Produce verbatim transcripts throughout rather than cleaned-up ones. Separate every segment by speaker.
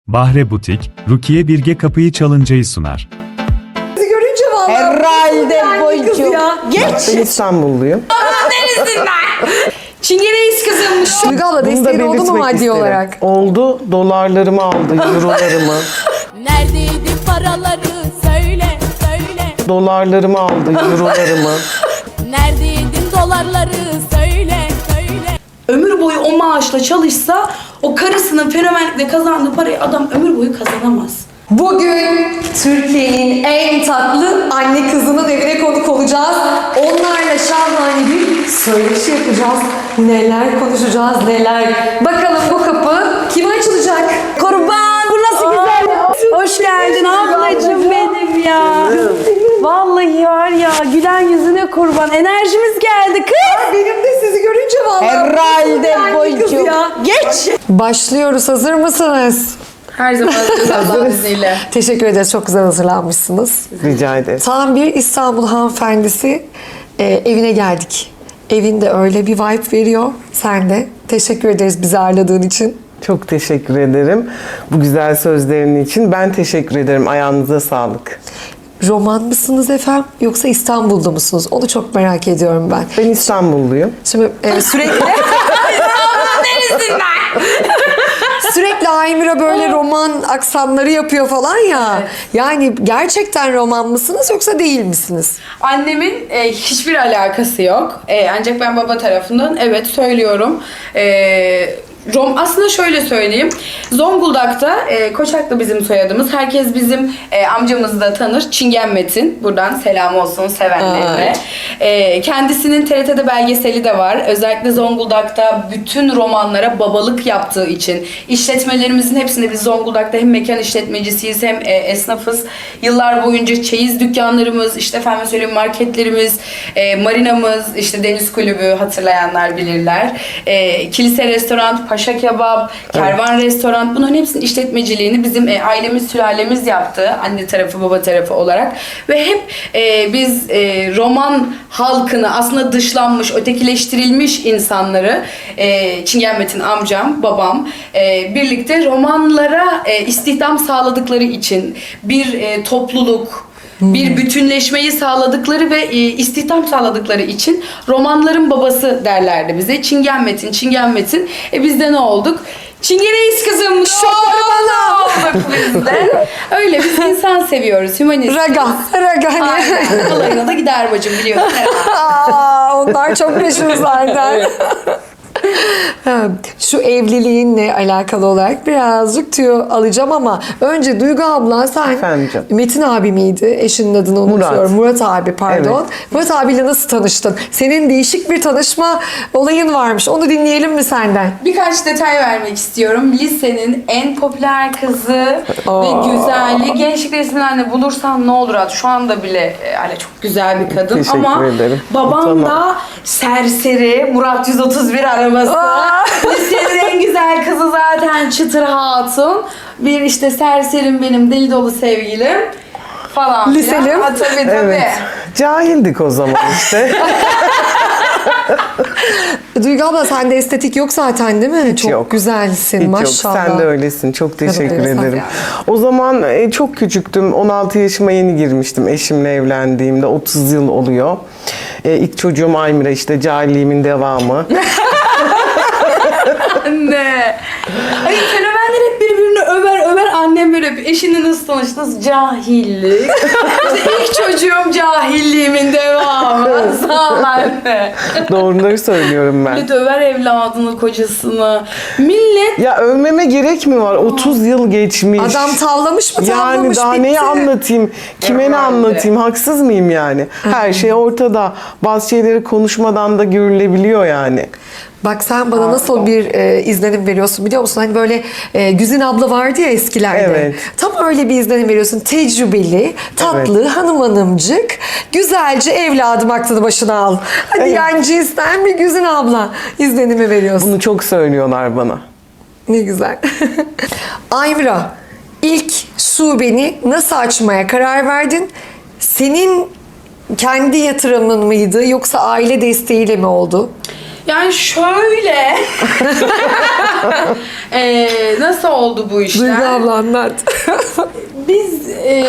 Speaker 1: Bahre Butik, Rukiye Bilge Kapıyı Çalınca'yı sunar.
Speaker 2: Bizi görünce vallahi.
Speaker 3: Herhalde
Speaker 2: Yani kız
Speaker 3: boycu.
Speaker 2: ya.
Speaker 3: Geç.
Speaker 4: Ben İstanbulluyum.
Speaker 2: Neresinden? Çingeneyiz kızım.
Speaker 3: Duygu abla
Speaker 4: Bunu da
Speaker 3: desteğin oldu mu
Speaker 4: belirtmek
Speaker 3: maddi
Speaker 4: isterim.
Speaker 3: olarak?
Speaker 4: Oldu. Dolarlarımı aldı, eurolarımı.
Speaker 5: Neredeydi paraları söyle söyle.
Speaker 4: Dolarlarımı aldı, eurolarımı.
Speaker 5: Neredeydin dolarları söyle söyle.
Speaker 2: Ömür boyu o maaşla çalışsa o karısının fenomenlikle kazandığı parayı adam ömür boyu kazanamaz.
Speaker 3: Bugün Türkiye'nin en tatlı anne kızının evine konuk olacağız. Onlarla şahane bir söyleşi yapacağız. Neler konuşacağız, neler. Bakalım bu kapı kime açılacak?
Speaker 2: Kurban bu nasıl güzel. Hoş geldin ablacığım benim ya. Vallahi var ya gülen yüzüne kurban. Enerjimiz geldi kız.
Speaker 3: Benim de sizi görünce vallahi.
Speaker 2: Herhalde
Speaker 3: Yani kız
Speaker 2: boycu.
Speaker 3: ya.
Speaker 2: Geç.
Speaker 3: Başlıyoruz. Hazır mısınız?
Speaker 2: Her zaman Allah'ın izniyle.
Speaker 3: Teşekkür ederiz. Çok güzel hazırlanmışsınız.
Speaker 4: Rica ederim.
Speaker 3: Tam bir İstanbul hanımefendisi e, evine geldik. Evinde öyle bir vibe veriyor. Sen de. Teşekkür ederiz bizi ağırladığın için.
Speaker 4: Çok teşekkür ederim bu güzel sözlerin için. Ben teşekkür ederim. Ayağınıza sağlık.
Speaker 3: Roman mısınız efendim yoksa İstanbul'da mısınız? Onu çok merak ediyorum ben.
Speaker 4: Ben İstanbulluyum.
Speaker 3: Şimdi e, sürekli
Speaker 2: Neresinden?
Speaker 3: sürekli Aymira böyle roman aksanları yapıyor falan ya. Yani gerçekten roman mısınız yoksa değil misiniz?
Speaker 6: Annemin e, hiçbir alakası yok. E, ancak ben baba tarafından evet söylüyorum. E, Rom aslında şöyle söyleyeyim. Zonguldak'ta e, Koçaklı bizim soyadımız. Herkes bizim e, amcamızı da tanır. Çingen Metin. Buradan selam olsun sevenlerine. E, kendisinin T R T'de belgeseli de var. Özellikle Zonguldak'ta bütün romanlara babalık yaptığı için işletmelerimizin hepsinde biz Zonguldak'ta hem mekan işletmecisiyiz hem e, esnafız. Yıllar boyunca çeyiz dükkanlarımız, işte efendim söyleyeyim marketlerimiz, e, marinamız, işte deniz kulübü hatırlayanlar bilirler. E, kilise restoran, Paşa Kebap, Kervan Restoran, bunların hepsinin işletmeciliğini bizim e, ailemiz, sülalemiz yaptı. Anne tarafı, baba tarafı olarak. Ve hep e, biz e, roman halkını, aslında dışlanmış, ötekileştirilmiş insanları, e, Çingen Metin amcam, babam, e, birlikte romanlara e, istihdam sağladıkları için bir e, topluluk, bir bütünleşmeyi sağladıkları ve e, istihdam sağladıkları için romanların babası derlerdi bize. Çingen Metin, Çingen Metin. E biz de ne olduk? Çingeneyiz kızım. Şorbana olduk biz de. Öyle biz insan seviyoruz. Hümanist.
Speaker 3: Raga. Raga.
Speaker 6: Aynen. Alayına da gider bacım biliyorsun.
Speaker 3: Aa, onlar çok meşhur zaten. Ha, Şu evliliğinle alakalı olarak birazcık tüyo alacağım ama önce Duygu abla sen
Speaker 4: Efendim canım.
Speaker 3: Metin abi miydi? Eşinin adını unutuyorum. Murat, abi pardon.
Speaker 4: Evet.
Speaker 3: Murat abiyle nasıl tanıştın? Senin değişik bir tanışma olayın varmış. Onu dinleyelim mi senden?
Speaker 6: Birkaç detay vermek istiyorum. Lisenin en popüler kızı
Speaker 3: Aa.
Speaker 6: ve güzelliği. Gençlik resmini anne bulursan ne olur at. Şu anda bile e, hala çok güzel bir kadın.
Speaker 4: Teşekkür
Speaker 6: Ama
Speaker 4: ederim.
Speaker 6: babam
Speaker 4: Tamam.
Speaker 6: da serseri. Murat yüz otuz bir arabası. Lisenin en güzel kızı zaten Çıtır Hatun. Bir işte serserim benim deli dolu sevgilim falan.
Speaker 3: Liselim.
Speaker 6: filan. Ha, tabii tabii.
Speaker 4: Evet. Cahildik o zaman işte.
Speaker 3: Duygu abla sende estetik yok zaten değil mi? Çok
Speaker 4: yok.
Speaker 3: güzelsin
Speaker 4: Hiç
Speaker 3: maşallah.
Speaker 4: yok. Sen de öylesin. Çok teşekkür
Speaker 3: öyle, sağ ol.
Speaker 4: ederim. O zaman e, çok küçüktüm. on altı yaşıma yeni girmiştim eşimle evlendiğimde. otuz yıl oluyor. E, ilk çocuğum Aymira, işte cahilliğimin devamı.
Speaker 6: Anne. Ay fenomenler hep birbirini över över, annem böyle bir eşinle nasıl tanıştınız? Cahillik. İşte ilk çocuğum cahilliğimin devamı. Sağ ol anne.
Speaker 4: Doğruları söylüyorum ben.
Speaker 6: Millet över evladını, kocasını. Millet
Speaker 4: Ya övmeme gerek mi var? otuz yıl geçmiş.
Speaker 3: Adam tavlamış mı tavlamış
Speaker 4: Yani daha
Speaker 3: bitti.
Speaker 4: neyi anlatayım? Kime ne
Speaker 6: Herhalde.
Speaker 4: anlatayım? Haksız mıyım yani? Her şey ortada. Bazı şeyleri konuşmadan da görülebiliyor yani.
Speaker 3: Bak sen bana nasıl bir e, izlenim veriyorsun biliyor musun? Hani böyle e, Güzin abla vardı ya eskilerde.
Speaker 4: Evet.
Speaker 3: Tam öyle bir izlenim veriyorsun. Tecrübeli, tatlı, hanım hanımcık, güzelce evladım aklını başına al. Hadi
Speaker 4: Evet.
Speaker 3: yani cinsten bir Güzin abla izlenimi veriyorsun.
Speaker 4: Bunu çok söylüyorlar bana.
Speaker 3: Ne güzel. Aymira, ilk şubeni nasıl açmaya karar verdin? Senin kendi yatırımın mıydı yoksa aile desteğiyle mi oldu?
Speaker 6: yani şöyle Ee, nasıl oldu bu işler?
Speaker 3: Duygu abla anlat.
Speaker 6: Biz e,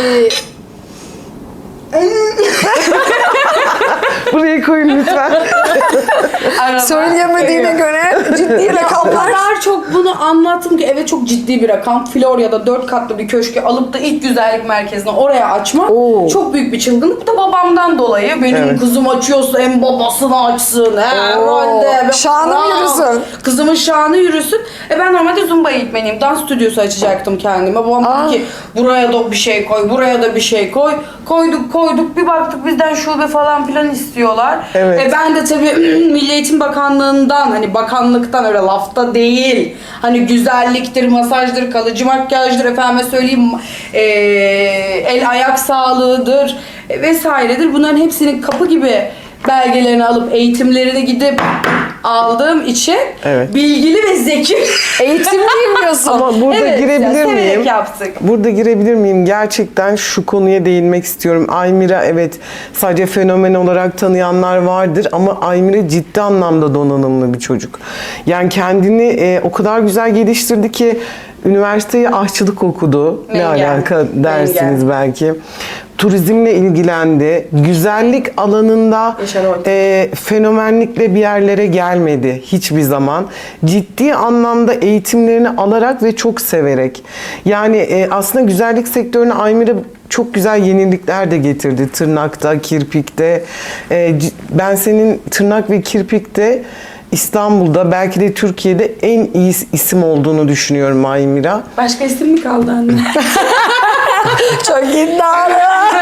Speaker 4: Buraya koyun lütfen.
Speaker 6: araba-
Speaker 3: Söyleyemediğine
Speaker 6: Evet.
Speaker 3: göre ciddi
Speaker 6: O
Speaker 3: rakamlar.
Speaker 6: kadar çok bunu anlattım ki evet çok ciddi bir rakam. Florya'da dört katlı bir köşkü alıp da ilk güzellik merkezini oraya açmak
Speaker 3: Oo.
Speaker 6: çok büyük bir çılgınlık. Bu da babamdan dolayı. Benim
Speaker 4: Evet.
Speaker 6: kızım açıyorsa en babasını açsın. Herhalde. Be-
Speaker 3: Şanı
Speaker 6: Aa,
Speaker 3: yürüsün.
Speaker 6: Kızımın şanı yürüsün. E ben normalde Zumba eğitmeniyim. Dans stüdyosu açacaktım kendime. Babam
Speaker 3: Aa.
Speaker 6: dedi ki buraya da bir şey koy, buraya da bir şey koy. Koyduk koyduk bir baktık bizden şube falan filan istiyorlar.
Speaker 4: Evet.
Speaker 6: E ben de tabii Milli Eğitim Bakanlığı'ndan hani bakanlıktan öyle lafta değil. Hani güzelliktir, masajdır, kalıcı makyajdır, efendime söyleyeyim e, el ayak sağlığıdır e, vesairedir. Bunların hepsinin kapı gibi belgelerini alıp eğitimlerini gidip aldığım için
Speaker 4: Evet.
Speaker 6: bilgili ve zeki.
Speaker 3: Eğitim bilmiyorsun.
Speaker 4: Ama burada
Speaker 6: Evet,
Speaker 4: girebilir
Speaker 6: ya, severek
Speaker 4: miyim?
Speaker 6: yaptık.
Speaker 4: Burada girebilir miyim? Gerçekten şu konuya değinmek istiyorum. Aymira evet sadece fenomen olarak tanıyanlar vardır ama Aymira ciddi anlamda donanımlı bir çocuk. Yani kendini e, o kadar güzel geliştirdi ki üniversiteye aşçılık okudu. Ne
Speaker 6: Mengen.
Speaker 4: alaka dersiniz
Speaker 6: Mengen.
Speaker 4: belki. Turizmle ilgilendi. Güzellik alanında
Speaker 6: Yaşar Orta.
Speaker 4: e, fenomenlikle bir yerlere gelmedi hiçbir zaman. Ciddi anlamda eğitimlerini alarak ve çok severek. Yani e, aslında güzellik sektörüne Aymira çok güzel yenilikler de getirdi. Tırnakta, kirpikte. E, c- ben senin tırnak ve kirpikte İstanbul'da belki de Türkiye'de en iyi isim olduğunu düşünüyorum Aymira.
Speaker 6: Başka isim mi kaldı anne?
Speaker 3: Çok iddialı.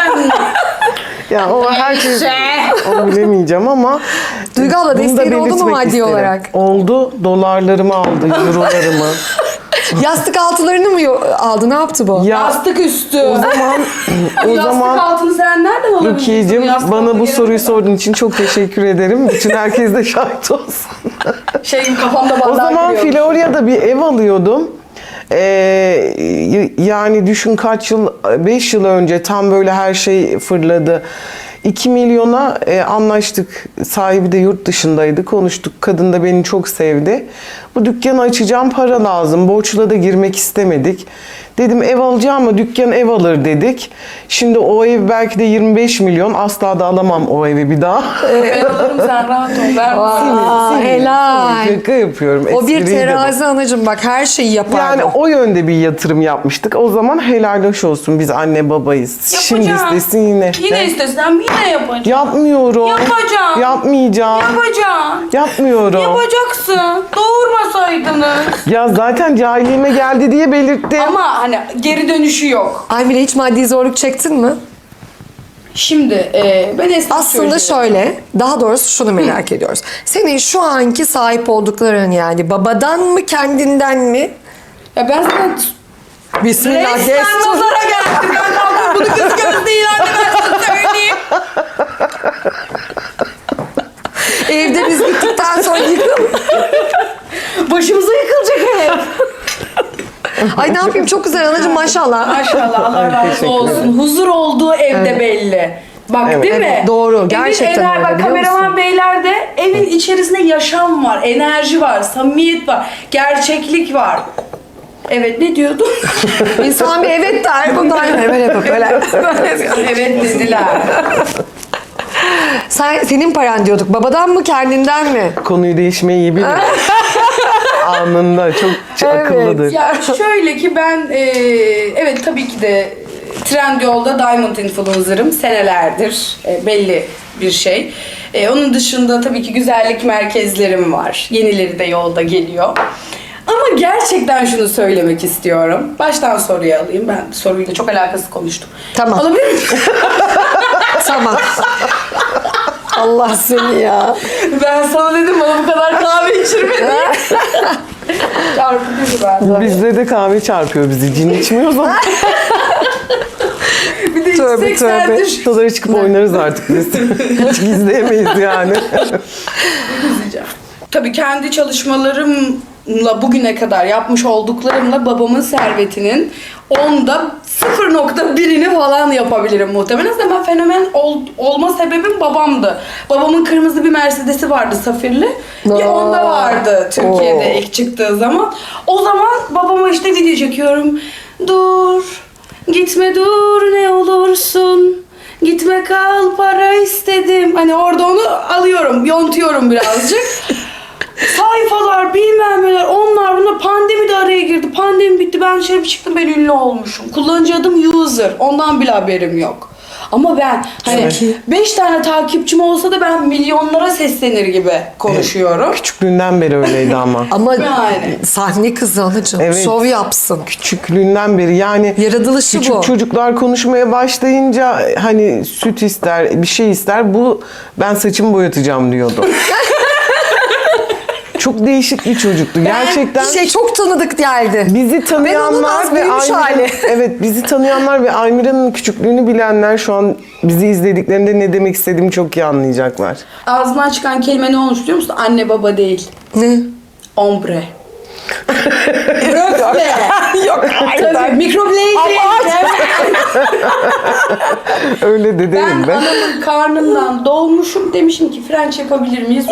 Speaker 4: Ya o herkes onu bilemeyeceğim ama
Speaker 3: Duygu abla,
Speaker 4: bunu da
Speaker 3: desteğin oldu mu
Speaker 4: belirtmek
Speaker 3: maddi
Speaker 4: isterim.
Speaker 3: olarak?
Speaker 4: Oldu. Dolarlarımı aldı, eurolarımı.
Speaker 3: Yastık altılarını mı yo- aldı? Ne yaptı bu?
Speaker 4: Ya
Speaker 6: Yastık üstü.
Speaker 4: o zaman o
Speaker 6: Yastık
Speaker 4: zaman
Speaker 6: altını sen nereden alabilirsin?
Speaker 4: Rukiye'cim
Speaker 6: Yastık
Speaker 4: bana
Speaker 6: altı
Speaker 4: bu
Speaker 6: yere
Speaker 4: soruyu
Speaker 6: kadar.
Speaker 4: sorduğun için çok teşekkür ederim. Bütün herkes de şahit olsun.
Speaker 6: Şey gibi kafamda bandaj
Speaker 4: O zaman
Speaker 6: giriyormuş.
Speaker 4: Florya'da bir ev alıyordum. Ee, y- yani düşün kaç yıl, beş yıl önce tam böyle her şey fırladı. iki milyona e, anlaştık. Sahibi de yurt dışındaydı. Konuştuk. Kadın da beni çok sevdi. Bu dükkanı açacağım, para lazım. Borçla da girmek istemedik. Dedim ev alacağım ama dükkan ev alır dedik. Şimdi o ev belki de yirmi beş milyon. Asla da alamam o evi bir daha.
Speaker 6: Ben alırım sen rahat ol. Ver
Speaker 3: Aa, helal.
Speaker 4: Şaka yapıyorum.
Speaker 3: O bir
Speaker 4: espriydi bu.
Speaker 3: terazi anacığım, bak her şeyi yapar.
Speaker 4: Yani
Speaker 3: bu.
Speaker 4: o yönde bir yatırım yapmıştık. O zaman helal hoş olsun. Biz anne babayız. Şimdi
Speaker 6: Yapacağım.
Speaker 4: istesin yine.
Speaker 6: Yine
Speaker 4: Ne?
Speaker 6: istesem yine yapacağım.
Speaker 4: Yapmıyorum.
Speaker 6: Yapacağım.
Speaker 4: Yapmayacağım.
Speaker 6: Yapacağım.
Speaker 4: Yapmıyorum.
Speaker 6: Yapacaksın. Doğurmasaydınız.
Speaker 4: Ya zaten cahilliğime geldi diye belirttim.
Speaker 6: Ama hani geri dönüşü yok.
Speaker 3: Aymira, hiç maddi zorluk çektin mi?
Speaker 6: Şimdi e, ben esnaf
Speaker 3: Aslında
Speaker 6: çocuğuyum.
Speaker 3: şöyle, daha doğrusu şunu merak ediyoruz. Senin şu anki sahip oldukların, yani babadan mı kendinden mi?
Speaker 6: Ya ben sana
Speaker 3: Bismillah,
Speaker 6: resmen
Speaker 3: destur.
Speaker 6: nazara geldim. Ben kalkıp bunu göz göz değil anne ben sana söyleyeyim.
Speaker 3: Evde biz gittikten sonra yıkıl.
Speaker 6: Başımıza yıkılacak ev.
Speaker 3: Ay ne yapayım, çok güzel anacığım, maşallah.
Speaker 6: Maşallah Allah razı
Speaker 4: Teşekkür
Speaker 6: olsun.
Speaker 4: ederim.
Speaker 6: Huzur olduğu evde belli. Bak
Speaker 4: Evet.
Speaker 6: değil mi?
Speaker 3: Evet, doğru. Gerçekten
Speaker 6: evin,
Speaker 3: öyle,
Speaker 6: bak,
Speaker 3: biliyor
Speaker 6: kameraman
Speaker 3: musun?
Speaker 6: beyler de evin içerisinde yaşam var, enerji var, samimiyet var, gerçeklik var. Evet ne diyordun?
Speaker 3: İnsan bir evet der, bundan hemen yapıp böyle.
Speaker 6: Evet dediler.
Speaker 3: Sen, senin paran diyorduk, babadan mı kendinden mi?
Speaker 4: Konuyu değişmeyi iyi bilir. Anında çok, çok
Speaker 3: Evet.
Speaker 4: akıllıdır.
Speaker 6: Ya şöyle ki ben e, evet tabii ki de Trendyol'da Diamond Influencer'ım senelerdir e, belli bir şey. E, onun dışında tabii ki güzellik merkezlerim var. Yenileri de yolda geliyor. Ama gerçekten şunu söylemek istiyorum. Baştan soruyu alayım. Ben soruyla çok alakasız konuştum.
Speaker 3: Tamam.
Speaker 6: Alabilir miyim?
Speaker 3: Tamam. Allah seni ya.
Speaker 6: Ben sana dedim bana bu kadar kahve içirme diye. Çarpıcı ben.
Speaker 4: Bizde de kahve çarpıyor bizi. Cin içmiyoruz ama.
Speaker 6: Bir de
Speaker 3: Tövbe,
Speaker 6: yüksek
Speaker 3: tövbe.
Speaker 6: sendir.
Speaker 4: Şuralara çıkıp oynarız artık biz. Hiç gizleyemeyiz yani.
Speaker 6: Tabii kendi çalışmalarım bugüne kadar yapmış olduklarımla babamın servetinin onda sıfır nokta birini falan yapabilirim muhtemelen. Zaten ben fenomen ol, olma sebebim babamdı. Babamın kırmızı bir Mercedes'i vardı safirli. Bir
Speaker 3: Aa.
Speaker 6: onda vardı Türkiye'de
Speaker 3: Oo.
Speaker 6: ilk çıktığı zaman. O zaman babama işte video çekiyorum. Dur, gitme dur ne olursun. Gitme kal para istedim. Hani orada onu alıyorum, yontuyorum birazcık. Sayfalar, bilmem neler, onlar bunlar. Pandemi de araya girdi. Pandemi bitti. Ben dışarı bir çıktım, ben ünlü olmuşum. Kullanıcı adım user. Ondan bile haberim yok. Ama ben hani beş tane takipçim olsa da ben milyonlara seslenir gibi konuşuyorum.
Speaker 4: Küçüklüğünden beri öyleydi ama.
Speaker 3: Ama
Speaker 6: Yani.
Speaker 3: sahne kızı anacığım.
Speaker 4: Evet.
Speaker 3: Şov yapsın.
Speaker 4: Küçüklüğünden beri yani
Speaker 3: Yaratılışı
Speaker 4: küçük
Speaker 3: bu.
Speaker 4: çocuklar konuşmaya başlayınca hani süt ister, bir şey ister. Bu ben saçımı boyatacağım diyordu. Çok değişik bir çocuktu. Gerçekten
Speaker 3: Şey çok tanıdık geldi.
Speaker 4: bizi
Speaker 3: Ben onun
Speaker 4: tanıyanlar
Speaker 3: az
Speaker 4: ve
Speaker 3: büyümüş
Speaker 4: Aymira'nın
Speaker 3: hali.
Speaker 4: evet bizi tanıyanlar ve Aymira'nın küçüklüğünü bilenler şu an bizi izlediklerinde ne demek istediğimi çok iyi anlayacaklar.
Speaker 6: Ağzından çıkan kelime ne olmuş biliyor musun? Anne baba değil.
Speaker 3: Ne?
Speaker 6: Ombre.
Speaker 3: Yok
Speaker 6: Tabii, microblading.
Speaker 4: Öyle de
Speaker 6: Ben
Speaker 4: derim ben.
Speaker 6: anamın karnından doğmuşum, demişim ki French yapabilir miyiz?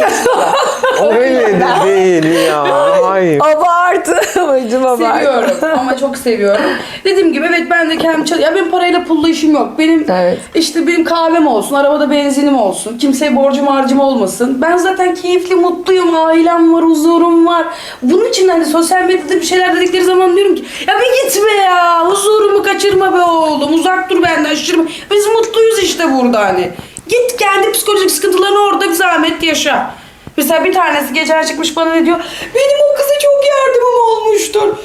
Speaker 4: Öyle de değil ya. Hayır.
Speaker 3: Abartı. Bacım abartı.
Speaker 6: Seviyorum ama çok seviyorum. Dediğim gibi evet ben de kendim çalış... Ya benim parayla pulla işim yok. Benim
Speaker 3: Evet.
Speaker 6: işte benim kahvem olsun, arabada benzinim olsun. Kimseye borcum harcım olmasın. Ben zaten keyifli, mutluyum. Ailem var, huzurum var. Bunun için hani sosyal medyada bir şeyler dedikleri zaman diyorum ki ya bir gitme ya. Huzurumu kaçırma be oğlum. Uzak dur benden, şaşırma. Biz mutluyuz işte burada hani. Git kendi psikolojik sıkıntılarını orada bir zahmet yaşa. Mesela bir tanesi geçen çıkmış bana ne diyor? Benim o kıza çok yardımım olmuştur.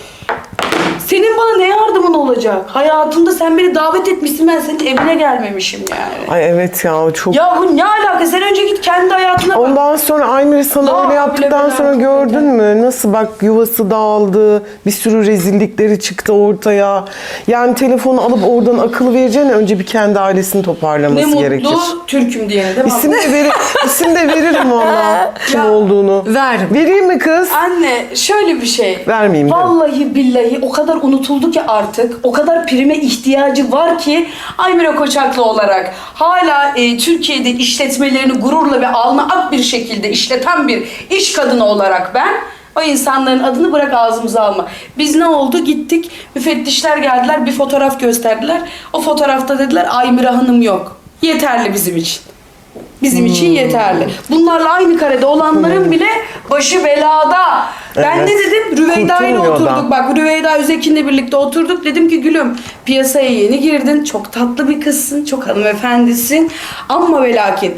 Speaker 6: Senin bana ne yardımın olacak? Hayatında sen beni davet etmişsin, ben senin evine gelmemişim yani.
Speaker 4: Ay evet ya çok.
Speaker 6: Ya bu ne alaka? Sen önce git kendi hayatına bak.
Speaker 4: Ondan sonra Aymir sana
Speaker 6: Aa,
Speaker 4: öyle yaptıktan
Speaker 6: bile
Speaker 4: sonra
Speaker 6: bile.
Speaker 4: gördün mü? Nasıl bak yuvası dağıldı. Bir sürü rezillikleri çıktı ortaya. Yani telefonu alıp oradan akıl vereceğine önce bir kendi ailesini
Speaker 6: Ne
Speaker 4: toparlaması
Speaker 6: mutlu
Speaker 4: gerekir.
Speaker 6: Türk'üm diyene değil mi?
Speaker 4: İsim de, veri, isim de veririm valla kim
Speaker 6: Ya.
Speaker 4: olduğunu.
Speaker 3: Ver.
Speaker 4: Vereyim mi kız?
Speaker 6: Anne şöyle bir şey.
Speaker 4: Vermeyeyim de.
Speaker 6: Vallahi billahi o kadar unutuldu ki artık. O kadar prime ihtiyacı var ki Aymira Koçaklı olarak hala e, Türkiye'de işletmelerini gururla ve alnı ak bir şekilde işleten bir iş kadını olarak ben o insanların adını bırak ağzımıza alma. Biz ne oldu? Gittik. Müfettişler geldiler. Bir fotoğraf gösterdiler. O fotoğrafta dediler Aymira Hanım yok. Yeterli bizim için. Bizim için yeterli. Bunlarla aynı karede olanların bile başı belada. Ben
Speaker 4: Evet.
Speaker 6: ne dedim? Rüveyda ile
Speaker 4: Kurtulmuyor da.
Speaker 6: oturduk. Bak Rüveyda Üzekin'le birlikte oturduk. Dedim ki gülüm piyasaya yeni girdin. Çok tatlı bir kızsın. Çok hanımefendisin. Ama ve lakin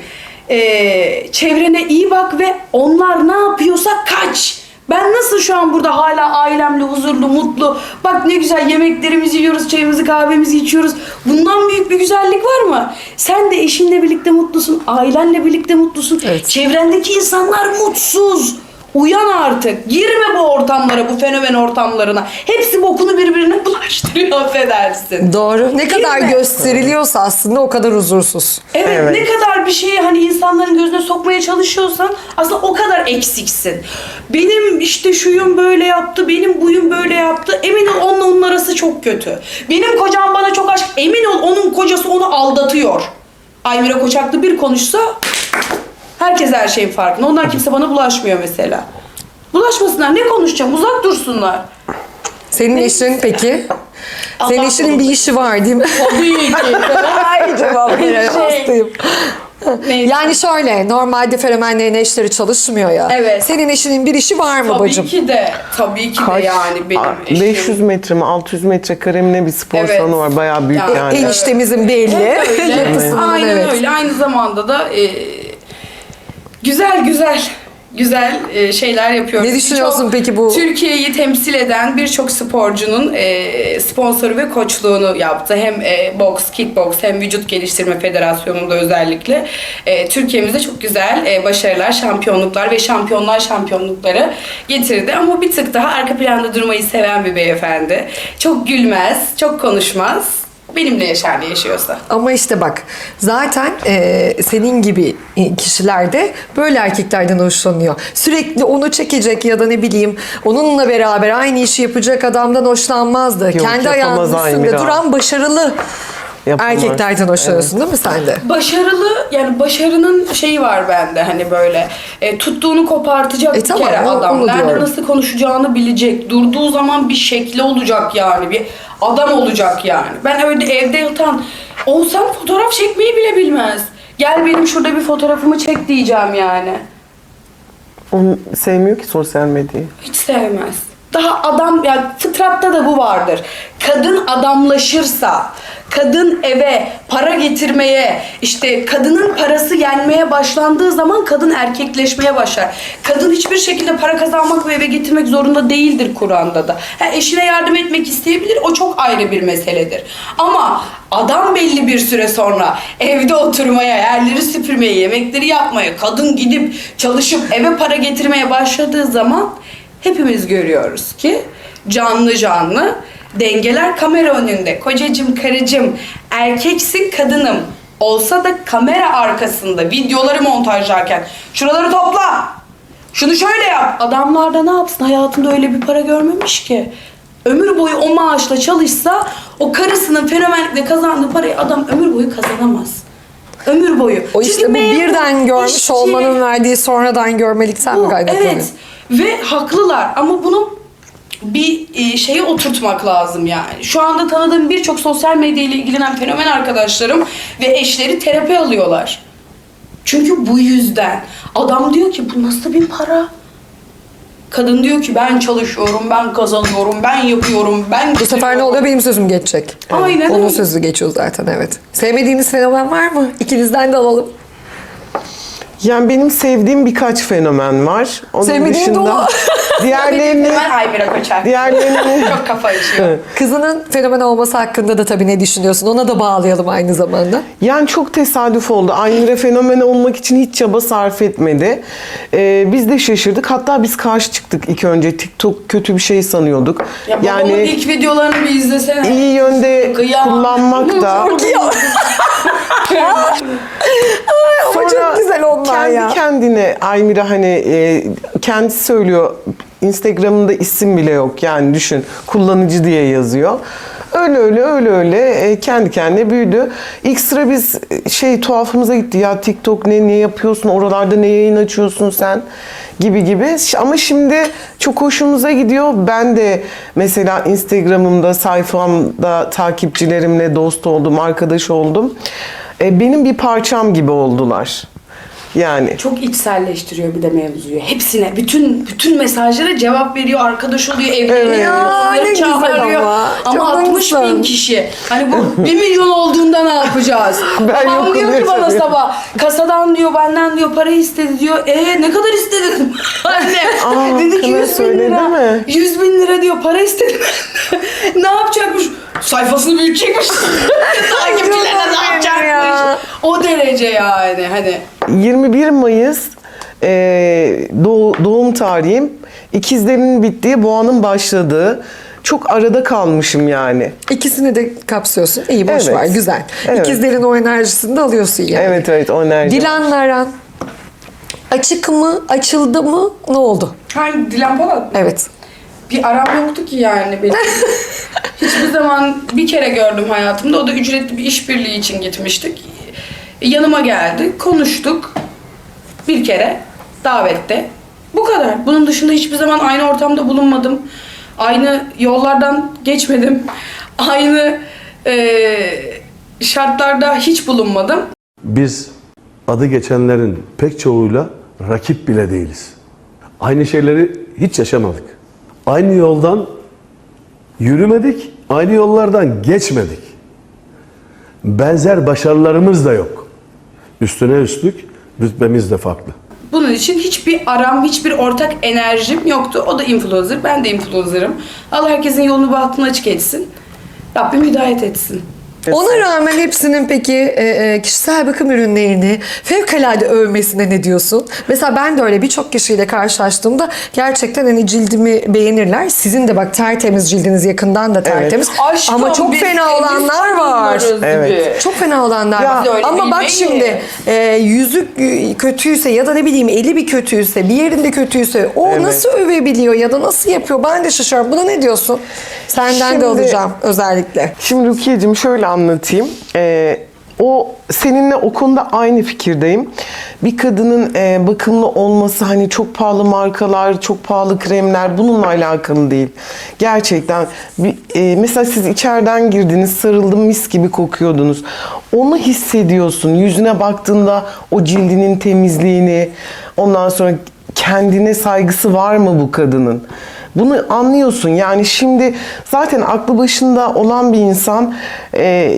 Speaker 6: eee, çevrene iyi bak ve onlar ne yapıyorsa kaç. Ben nasıl şu an burada hala ailemle huzurlu, mutlu. Bak ne güzel yemeklerimizi yiyoruz, çayımızı, kahvemizi içiyoruz. Bundan büyük bir güzellik var mı? Sen de eşinle birlikte mutlusun, ailenle birlikte mutlusun.
Speaker 3: Evet.
Speaker 6: Çevrendeki insanlar mutsuz. Uyan artık. Girme bu ortamlara, bu fenomen ortamlarına. Hepsi bokunu birbirine bulaştırıyor, affedersin.
Speaker 3: Doğru. Ne kadar
Speaker 6: mi?
Speaker 3: gösteriliyorsa aslında o kadar huzursuz.
Speaker 6: Evet,
Speaker 4: Evet.
Speaker 6: ne kadar bir şeyi hani insanların gözüne sokmaya çalışıyorsan aslında o kadar eksiksin. Benim işte şuyum böyle yaptı, benim buyum böyle yaptı. Emin ol onunla onun arası çok kötü. Benim kocam bana çok aşk. Emin ol onun kocası onu aldatıyor. Aymira Koçaklı bir konuşsa herkes her şeyin farkında. Ondan kimse bana bulaşmıyor mesela. Bulaşmasınlar. Ne konuşacağım? Uzak dursunlar.
Speaker 3: Senin eşin peki?
Speaker 6: Allah
Speaker 3: Senin eşinin bir
Speaker 6: korusun.
Speaker 3: işi var değil mi?
Speaker 6: Tabii ki.
Speaker 3: Ay cevap veriyorum.
Speaker 6: Şey.
Speaker 3: Hastayım.
Speaker 6: Neyse.
Speaker 3: Yani şöyle, normalde fenomenlerin eşleri çalışmıyor ya.
Speaker 6: Evet.
Speaker 3: Senin eşinin bir işi var mı
Speaker 6: Tabii
Speaker 3: bacım?
Speaker 6: ki de. Tabii ki de
Speaker 4: Kaç?
Speaker 6: yani benim
Speaker 4: Aa,
Speaker 6: eşim.
Speaker 4: beş yüz metre mi altı yüz metre kare mi ne bir spor
Speaker 6: Evet.
Speaker 4: salonu var. Bayağı büyük
Speaker 6: Yani
Speaker 4: yani.
Speaker 3: Eniştemizin belli.
Speaker 6: Hep öyle.
Speaker 3: Yapısından
Speaker 6: Aynen
Speaker 3: evet.
Speaker 6: öyle. Aynı zamanda da e, güzel güzel güzel e, şeyler yapıyoruz.
Speaker 3: Ne düşünüyorsun
Speaker 6: Birçok
Speaker 3: peki bu-
Speaker 6: Türkiye'yi temsil eden birçok sporcunun e, sponsoru ve koçluğunu yaptı. Hem e, boks, kickboks hem vücut geliştirme federasyonunda özellikle. E, Türkiye'mize çok güzel e, başarılar, şampiyonluklar ve şampiyonlar şampiyonlukları getirdi. Ama bir tık daha arka planda durmayı seven bir beyefendi. Çok gülmez, çok konuşmaz. benimle yaşar ne yaşıyorsa.
Speaker 3: Ama işte bak zaten e, senin gibi kişiler de böyle erkeklerden hoşlanıyor. Sürekli onu çekecek ya da ne bileyim onunla beraber aynı işi yapacak adamdan hoşlanmazdı. Kendi ayağının
Speaker 4: yapamaz
Speaker 3: üstünde
Speaker 4: Aymira.
Speaker 3: duran başarılı
Speaker 4: Yapamaz.
Speaker 3: erkeklerden hoşlanıyorsun değil mi sen de?
Speaker 6: Başarılı, yani başarının şeyi var bende hani böyle e, tuttuğunu kopartacak
Speaker 3: E
Speaker 6: bir
Speaker 3: tamam,
Speaker 6: kere
Speaker 3: o-
Speaker 6: adam.
Speaker 3: onu
Speaker 6: Nerede
Speaker 3: diyorum.
Speaker 6: nasıl konuşacağını bilecek. Durduğu zaman bir şekli olacak yani. Bir adam olacak yani. Ben öyle evde yatan olsam fotoğraf çekmeyi bile bilmez. Gel benim şurada bir fotoğrafımı çek diyeceğim yani.
Speaker 4: Onu sevmiyor ki sosyal medyayı.
Speaker 6: Hiç sevmez. Daha adam, yani fıtratta da bu vardır. Kadın adamlaşırsa, kadın eve para getirmeye, işte kadının parası yenmeye başlandığı zaman kadın erkekleşmeye başlar. Kadın hiçbir şekilde para kazanmak ve eve getirmek zorunda değildir Kur'an'da da. Ha, eşine yardım etmek isteyebilir, o çok ayrı bir meseledir. Ama adam belli bir süre sonra evde oturmaya, yerleri süpürmeye, yemekleri yapmaya, kadın gidip çalışıp eve para getirmeye başladığı zaman hepimiz görüyoruz ki canlı canlı dengeler kamera önünde. Kocacım, karıcım, erkeksin, kadınım olsa da kamera arkasında videoları montajlarken şuraları topla, şunu şöyle yap. Adamlar da ne yapsın? Hayatında öyle bir para görmemiş ki. Ömür boyu o maaşla çalışsa o karısının fenomenlikle kazandığı parayı adam ömür boyu kazanamaz. Ömür boyu.
Speaker 3: O
Speaker 6: Çünkü
Speaker 3: işte bu
Speaker 6: memur,
Speaker 3: birden görmüş
Speaker 6: işçi,
Speaker 3: olmanın verdiği sonradan görmelikten mi
Speaker 6: bu,
Speaker 3: kaynaklanıyor?
Speaker 6: evet. Ve haklılar ama bunu bir e, şeye oturtmak lazım yani. Şu anda tanıdığım birçok sosyal medya ile ilgilenen fenomen arkadaşlarım ve eşleri terapi alıyorlar. Çünkü bu yüzden. Adam diyor ki bu nasıl bir para? Kadın diyor ki ben çalışıyorum, ben kazanıyorum, ben yapıyorum, ben
Speaker 3: Bu sefer ne oluyor? Benim sözüm geçecek.
Speaker 6: Aynen
Speaker 3: Onun
Speaker 6: öyle.
Speaker 3: sözü geçiyor zaten, evet. Sevmediğiniz fenomen var mı? İkinizden de alalım.
Speaker 4: Yani benim sevdiğim birkaç fenomen var. Onun
Speaker 3: Sevmediğin
Speaker 4: dışında
Speaker 3: dolu.
Speaker 4: diğerlerini
Speaker 6: Ben Aymira Koçak.
Speaker 4: diğerlerini
Speaker 6: Çok kafa işiyor.
Speaker 3: Kızının fenomen olması hakkında da tabii ne düşünüyorsun? Ona da bağlayalım aynı zamanda.
Speaker 4: yani çok tesadüf oldu. Aymira fenomen olmak için hiç çaba sarf etmedi. Ee, biz de şaşırdık. Hatta biz karşı çıktık ilk önce. TikTok kötü bir şey sanıyorduk.
Speaker 6: Ya babamın
Speaker 4: yani
Speaker 6: ilk videolarını bir izlesene.
Speaker 4: iyi yönde
Speaker 6: Kıyam.
Speaker 4: kullanmak da
Speaker 3: Ama çok güzel onlar
Speaker 4: kendi
Speaker 3: ya.
Speaker 4: kendine Aymira hani e, kendisi söylüyor, Instagram'ında isim bile yok yani, düşün, kullanıcı diye yazıyor. Öyle öyle öyle öyle e, kendi kendine büyüdü. İlk sıra biz e, şey tuhafımıza gitti ya, TikTok ne, ne yapıyorsun oralarda, ne yayın açıyorsun sen gibi gibi. Ama şimdi çok hoşumuza gidiyor. Ben de mesela Instagram'ımda, sayfamda takipçilerimle dost oldum, arkadaş oldum. E, benim bir parçam gibi oldular. Yani
Speaker 6: Çok içselleştiriyor bir de mevzuyu. Hepsine, bütün bütün mesajlara cevap veriyor, arkadaş oluyor, evleniyor,
Speaker 4: Evet.
Speaker 3: Ya, ne güzel
Speaker 6: çağırıyor.
Speaker 3: ama.
Speaker 6: Ama
Speaker 3: Çok
Speaker 6: altmış bin
Speaker 3: haklısın.
Speaker 6: kişi. Hani bu bir milyon olduğunda ne yapacağız?
Speaker 4: Ben
Speaker 6: Babam
Speaker 4: yokum
Speaker 6: diyor ki bana
Speaker 4: diyor.
Speaker 6: sabah, kasadan diyor, benden diyor para istedi diyor. E ne kadar istedin? Anne.
Speaker 4: Aa,
Speaker 6: Dedi ki
Speaker 4: Kına
Speaker 6: yüz bin
Speaker 4: söyledi
Speaker 6: lira.
Speaker 4: mi?
Speaker 6: Yüz bin lira diyor para istedi. Ne yapacakmış? Sayfasını büyütecekmiş. Takipçilerine ne
Speaker 3: Canım
Speaker 6: yapacakmış?
Speaker 3: ya.
Speaker 6: O derece yani hani.
Speaker 4: yirmi bir Mayıs e, doğ- doğum tarihim. İkizlerimin bittiği, boğanın başladığı. Çok arada kalmışım yani.
Speaker 3: İkisini de kapsıyorsun. İyi, boş
Speaker 4: Evet.
Speaker 3: ver, güzel.
Speaker 4: Evet.
Speaker 3: İkizlerin o enerjisini de alıyorsun yani.
Speaker 4: Evet evet, o enerji.
Speaker 3: Dilan'la aran açık mı, açıldı mı, ne oldu?
Speaker 6: Hangi Dilan Polat mı?
Speaker 3: Evet.
Speaker 6: Bir aram yoktu ki yani benim. Hiçbir zaman, bir kere gördüm hayatımda. O da ücretli bir işbirliği için gitmiştik. Yanıma geldi, konuştuk. Bir kere davette. Bu kadar. Bunun dışında hiçbir zaman aynı ortamda bulunmadım. Aynı yollardan geçmedim. Aynı eee, şartlarda hiç bulunmadım.
Speaker 7: Biz adı geçenlerin pek çoğuyla rakip bile değiliz. Aynı şeyleri hiç yaşamadık. Aynı yoldan yürümedik, aynı yollardan geçmedik. Benzer başarılarımız da yok. Üstüne üstlük rütbemiz de farklı.
Speaker 6: Bunun için hiçbir aram, hiçbir ortak enerjim yoktu. O da influencer, ben de influencer'ım. Allah herkesin yolunu bahtını açık etsin. Rabbim hidayet etsin.
Speaker 3: Ona rağmen hepsinin peki e, e, kişisel bakım ürünlerini fevkalade övmesine ne diyorsun? Mesela ben de öyle birçok kişiyle karşılaştığımda gerçekten hani cildimi beğenirler. Sizin de bak tertemiz cildiniz, yakından da tertemiz.
Speaker 6: Aşkım,
Speaker 3: Ama çok
Speaker 6: biz
Speaker 3: fena
Speaker 6: elbise
Speaker 3: olanlar var.
Speaker 6: giyiyoruz
Speaker 4: Evet.
Speaker 6: gibi.
Speaker 3: Çok fena olanlar
Speaker 4: Ya,
Speaker 3: var.
Speaker 6: biz öyle
Speaker 3: Ama bak
Speaker 6: bilmeyiz.
Speaker 3: şimdi e, yüzü e, kötüyse ya da ne bileyim eli bir kötüyse, bir yerinde kötüyse o
Speaker 4: Evet.
Speaker 3: nasıl övebiliyor ya da nasıl yapıyor? Ben de şaşırıyorum. Buna ne diyorsun? Senden
Speaker 4: Şimdi-
Speaker 3: de alacağım özellikle.
Speaker 4: Şimdi Rukiye'cim şöyle anlatayım. Ee, o seninle o konuda aynı fikirdeyim. Bir kadının e, bakımlı olması hani çok pahalı markalar, çok pahalı kremler bununla alakalı değil. Gerçekten bir, e, mesela siz içeriden girdiniz, sarıldım mis gibi kokuyordunuz. Onu hissediyorsun. Yüzüne baktığında o cildinin temizliğini, ondan sonra kendine saygısı var mı bu kadının? Bunu anlıyorsun. Yani şimdi zaten aklı başında olan bir insan, e,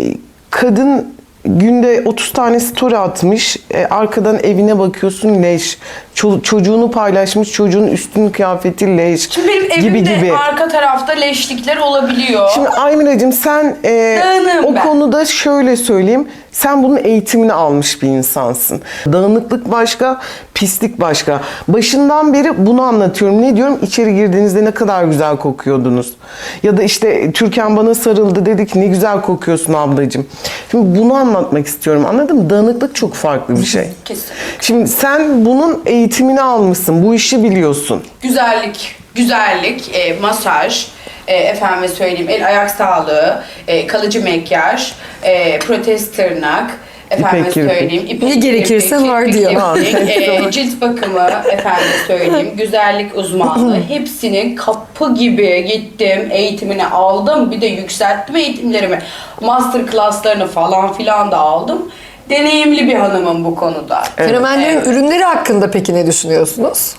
Speaker 4: kadın günde otuz tane story atmış, e, arkadan evine bakıyorsun leş. Ço- çocuğunu paylaşmış, çocuğun üstün kıyafeti leş.
Speaker 6: Şimdi benim
Speaker 4: gibi
Speaker 6: evimde
Speaker 4: gibi.
Speaker 6: arka tarafta leşlikler olabiliyor.
Speaker 4: Şimdi Aymiracığım sen e,
Speaker 6: Dağınığım
Speaker 4: o
Speaker 6: ben.
Speaker 4: konuda şöyle söyleyeyim. Sen bunun eğitimini almış bir insansın. Dağınıklık başka, pislik başka. Başından beri bunu anlatıyorum. Ne diyorum? İçeri girdiğinizde ne kadar güzel kokuyordunuz. Ya da işte Türkan bana sarıldı, dedi ki ne güzel kokuyorsun ablacığım. Şimdi bunu anlatmak istiyorum. Anladın mı? Dağınıklık çok farklı bir şey.
Speaker 6: Kesin.
Speaker 4: Şimdi sen bunun eğitimini almışsın. Bu işi biliyorsun.
Speaker 6: Güzellik, güzellik, e, masaj, e, efendime söyleyeyim el ayak sağlığı, e, kalıcı makyaj, e, protez tırnak, efendime
Speaker 4: İpek kirpik.
Speaker 6: söyleyeyim ipek
Speaker 3: Ne gerekirse
Speaker 6: kirpik,
Speaker 3: var
Speaker 6: kirpik,
Speaker 3: diyor.
Speaker 6: kirpik, e, cilt bakımı, efendime söyleyeyim güzellik uzmanlığı hepsinin kapı gibi gittim, eğitimini aldım, bir de yükselttim eğitimlerimi, master classlarını falan filan da aldım. Deneyimli bir hanımım bu konuda.
Speaker 3: Fenomenlerin
Speaker 6: Evet.
Speaker 3: ürünleri hakkında peki ne düşünüyorsunuz?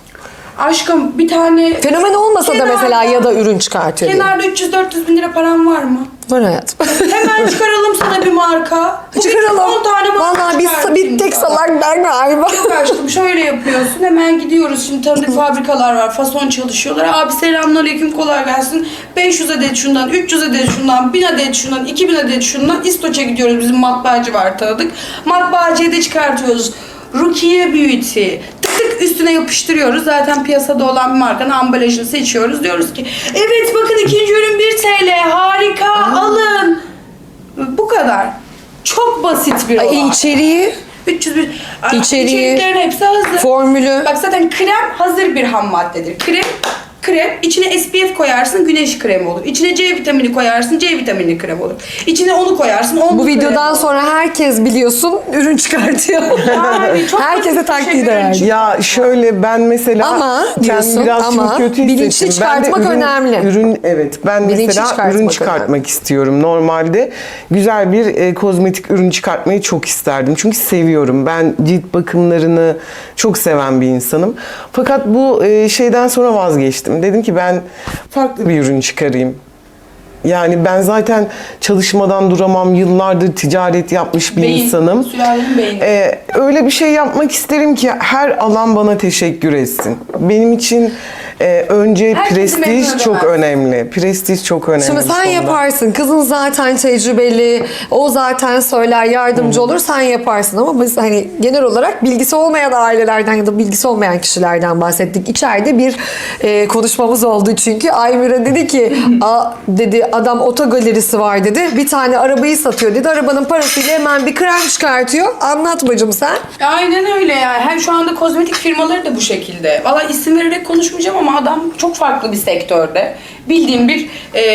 Speaker 6: Aşkım bir tane
Speaker 3: Fenomen olmasa da
Speaker 6: Kenarda-
Speaker 3: mesela ya da ürün çıkartıyor. diyelim.
Speaker 6: kenarda üç yüz dört yüz bin lira param var mı?
Speaker 3: Var hayatım.
Speaker 6: Hemen çıkaralım sana bir marka. Bugün
Speaker 3: Çıkaralım.
Speaker 6: on tane marka
Speaker 3: Vallahi biz
Speaker 6: çıkartayım
Speaker 3: bir tek
Speaker 6: sana.
Speaker 3: salak ben galiba.
Speaker 6: Yok aşkım şöyle yapıyorsun hemen gidiyoruz şimdi tanıdık fabrikalar var fason çalışıyorlar abi selamünaleyküm kolay gelsin beş yüz adet şundan üç yüz adet şundan bin adet şundan iki bin adet şundan İstoç'a gidiyoruz bizim matbaacı var tanıdık matbaacıya da çıkartıyoruz Rukiye Beauty tık tık üstüne yapıştırıyoruz zaten piyasada olan bir markanın ambalajını seçiyoruz diyoruz ki evet bakın ikinci ürün bir TL harika alın bu kadar çok basit bir olay.
Speaker 3: Ay, içeriği,
Speaker 6: üç yüz bir Ay,
Speaker 3: İçeriği,
Speaker 6: içeriklerin hepsi hazır.
Speaker 3: formülü.
Speaker 6: Bak zaten krem hazır bir ham maddedir. Krem krem içine S P F koyarsın güneş kremi olur. İçine C vitamini koyarsın C vitaminli krem olur. İçine onu koyarsın onu
Speaker 3: Bu videodan sonra herkes biliyorsun ürün çıkartıyor.
Speaker 6: Yani çok
Speaker 3: Herkese
Speaker 6: basit bir
Speaker 3: taktiği
Speaker 6: şey
Speaker 3: de
Speaker 6: ürün
Speaker 3: verdi.
Speaker 4: Ya şöyle ben mesela
Speaker 3: Ama
Speaker 4: kendimi
Speaker 3: diyorsun,
Speaker 4: biraz
Speaker 3: ama
Speaker 4: çok kötü
Speaker 3: bilinçli
Speaker 4: hissettim. Ben de
Speaker 3: çıkartmak
Speaker 4: ürün-
Speaker 3: önemli.
Speaker 4: Ürün evet ben
Speaker 3: Bilinçli
Speaker 4: mesela
Speaker 3: çıkartmak
Speaker 4: ürün
Speaker 3: önemli.
Speaker 4: çıkartmak istiyorum. Normalde güzel bir e, kozmetik ürün çıkartmayı çok isterdim. Çünkü seviyorum. Ben cilt bakımlarını çok seven bir insanım. Fakat bu e, şeyden sonra vazgeçtim. Dedim ki ben farklı bir ürün çıkarayım. Yani ben zaten çalışmadan duramam. Yıllardır ticaret yapmış bir
Speaker 6: Beyin,
Speaker 4: insanım.
Speaker 6: sülalenin beyni.
Speaker 4: Ee, öyle bir şey yapmak isterim ki her alan bana teşekkür etsin. Benim için e, önce
Speaker 6: Herkesi memnun
Speaker 4: prestij çok
Speaker 6: edemez.
Speaker 4: önemli. Prestij çok önemli.
Speaker 3: Şimdi
Speaker 4: bu
Speaker 3: sen
Speaker 4: konuda.
Speaker 3: yaparsın. Kızın zaten tecrübeli. O zaten söyler, yardımcı olur. Sen yaparsın ama biz hani genel olarak bilgisi olmayan ailelerden ya da bilgisi olmayan kişilerden bahsettik. İçeride bir e, konuşmamız oldu çünkü. Aymira dedi ki, A, dedi adam otogalerisi var dedi. Bir tane arabayı satıyor dedi. Arabanın parasıyla hemen bir krem çıkartıyor. Anlat bacım sen.
Speaker 6: Aynen öyle yani. Hem şu anda kozmetik firmaları da bu şekilde. Valla isim vererek konuşmayacağım ama adam çok farklı bir sektörde. Bildiğim bir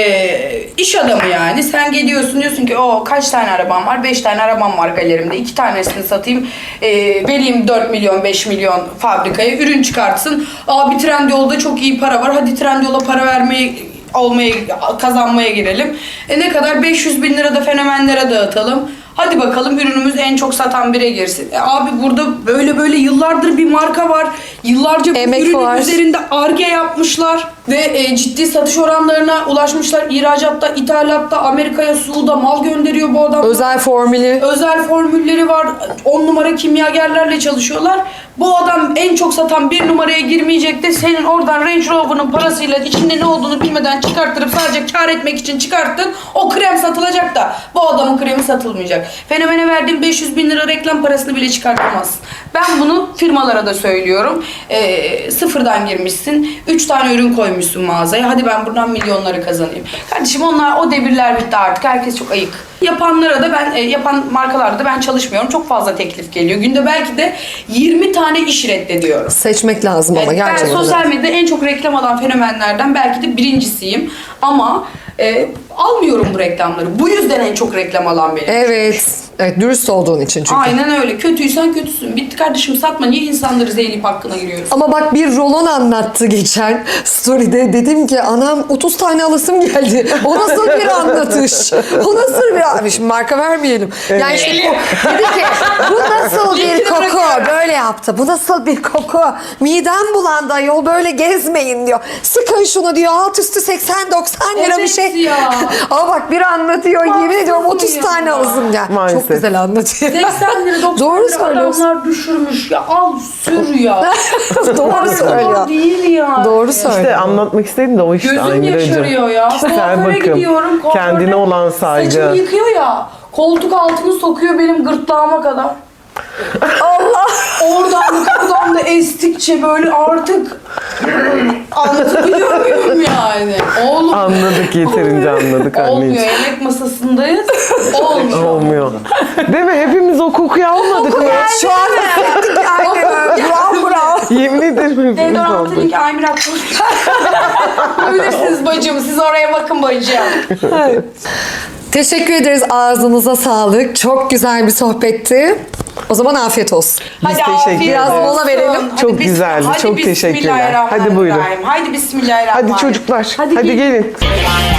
Speaker 6: e, iş adamı yani. Sen geliyorsun diyorsun ki o kaç tane arabam var? beş tane arabam var galerimde. iki tanesini satayım. E, vereyim dört milyon beş milyon fabrikaya. Ürün çıkartsın. Abi Trendyol'da çok iyi para var. Hadi Trendyol'a para vermeye olmaya kazanmaya girelim. E ne kadar? beş yüz bin lira da fenomenlere dağıtalım. Hadi bakalım ürünümüz en çok satan bire girsin. E abi burada böyle böyle yıllardır bir marka var. Yıllarca bu
Speaker 3: Emek
Speaker 6: ürünün
Speaker 3: var.
Speaker 6: üzerinde Ar-Ge yapmışlar. Ve e, ciddi satış oranlarına ulaşmışlar. İhracatta, ithalatta, Amerika'ya, Suud'a mal gönderiyor bu adam.
Speaker 3: Özel formülü.
Speaker 6: Özel formülleri var. on numara kimyagerlerle çalışıyorlar. Bu adam en çok satan bir numaraya girmeyecek de senin oradan Range Rover'ın parasıyla içinde ne olduğunu bilmeden çıkarttırıp sadece kar etmek için çıkarttın. O krem satılacak da bu adamın kremi satılmayacak. Fenomen'e verdiğim beş yüz bin lira reklam parasını bile çıkartamazsın. Ben bunu firmalara da söylüyorum. Ee, sıfırdan girmişsin. üç tane ürün koymuşsun mağazaya. Hadi ben buradan milyonları kazanayım. Kardeşim onlar o devirler bitti artık. Herkes çok ayık. Yapanlara da ben, e, yapan markalarda da ben çalışmıyorum. Çok fazla teklif geliyor. Günde belki de yirmi tane iş reddediyorum.
Speaker 3: Seçmek lazım ama
Speaker 6: Evet, ben
Speaker 3: gerçekten.
Speaker 6: sosyal medyada en çok reklam alan fenomenlerden belki de birincisiyim. Ama e, almıyorum bu reklamları. Bu yüzden en çok reklam alan benim.
Speaker 3: Evet. Evet, dürüst olduğun için çünkü.
Speaker 6: Aynen öyle. Kötüysen kötüsün. Bitti kardeşim, satma. Niye insanları zeynep hakkına giriyorsun?
Speaker 3: Ama bak bir rolon anlattı geçen story'de. Dedim ki anam otuz tane alasım geldi. O nasıl bir anlatış? O nasıl bir... Abi şimdi marka vermeyelim. Yani işte bu, dedi ki bu nasıl bir
Speaker 6: Linkini
Speaker 3: koku?
Speaker 6: bırakıyorum.
Speaker 3: Böyle yaptı. Bu nasıl bir koku? Midem bulandı ayol, böyle gezmeyin diyor. Sıkın şunu diyor. Alt üstü seksen doksan lira bir
Speaker 6: Evet
Speaker 3: şey.
Speaker 6: ya.
Speaker 3: Ama bak bir anlatıyor. Yemin
Speaker 6: Haksız
Speaker 3: ediyorum otuz
Speaker 6: mıyım
Speaker 3: tane
Speaker 6: ya?
Speaker 3: alasım geldi.
Speaker 4: Maalesef.
Speaker 3: Çok güzel anlatıyor.
Speaker 6: seksen lira doksan
Speaker 3: Doğru
Speaker 6: lira
Speaker 3: söylüyorsun.
Speaker 6: adamlar düşürmüş ya. Al sür ya.
Speaker 3: Doğru söylüyor.
Speaker 6: Değil ya.
Speaker 3: Doğru söylüyor.
Speaker 4: İşte anlatmak istedim de o işte
Speaker 6: Gözüm
Speaker 4: Aynuracığım.
Speaker 6: yaşarıyor ya.
Speaker 4: Kişisel
Speaker 6: Kuaföre
Speaker 4: bakım,
Speaker 6: gidiyorum. kuaförde
Speaker 4: kendine olan saygı.
Speaker 6: Saçımı yıkıyor ya. Koltuk altını sokuyor benim gırtlağıma kadar. Allah! Oradan da buradan da estikçe böyle artık anlatabiliyor muyum yani? Oğlum.
Speaker 4: Anladık, yeterince anladık
Speaker 6: Olmuyor.
Speaker 4: anneciğim.
Speaker 6: Yemek masasındayız. Olmuyor.
Speaker 4: Olmuyor. Değil mi? Hepimiz o kokuyu almadık mı?
Speaker 3: Şu an hissettik yani. Bravo bravo.
Speaker 4: Yemin ederim hepimiz
Speaker 6: Deodorant'ın
Speaker 4: aldık.
Speaker 6: ilk Aymir atmış. Bilirsiniz bacım. Siz oraya bakın bacım.
Speaker 3: Teşekkür ederiz. Ağzınıza sağlık. Çok güzel bir sohbetti. O zaman afiyet olsun.
Speaker 6: Hadi
Speaker 4: teşekkür
Speaker 6: afiyet
Speaker 4: ederiz.
Speaker 3: Biraz mola
Speaker 6: olsun.
Speaker 3: verelim.
Speaker 6: Hadi
Speaker 4: Çok
Speaker 6: bis-
Speaker 4: güzeldi,
Speaker 6: hadi
Speaker 4: çok teşekkürler.
Speaker 6: bismillahirrahmanirrahim.
Speaker 4: Hadi buyurun.
Speaker 6: Hadi bismillahirrahmanirrahim.
Speaker 4: Hadi çocuklar, hadi,
Speaker 6: Hadi
Speaker 4: gelin.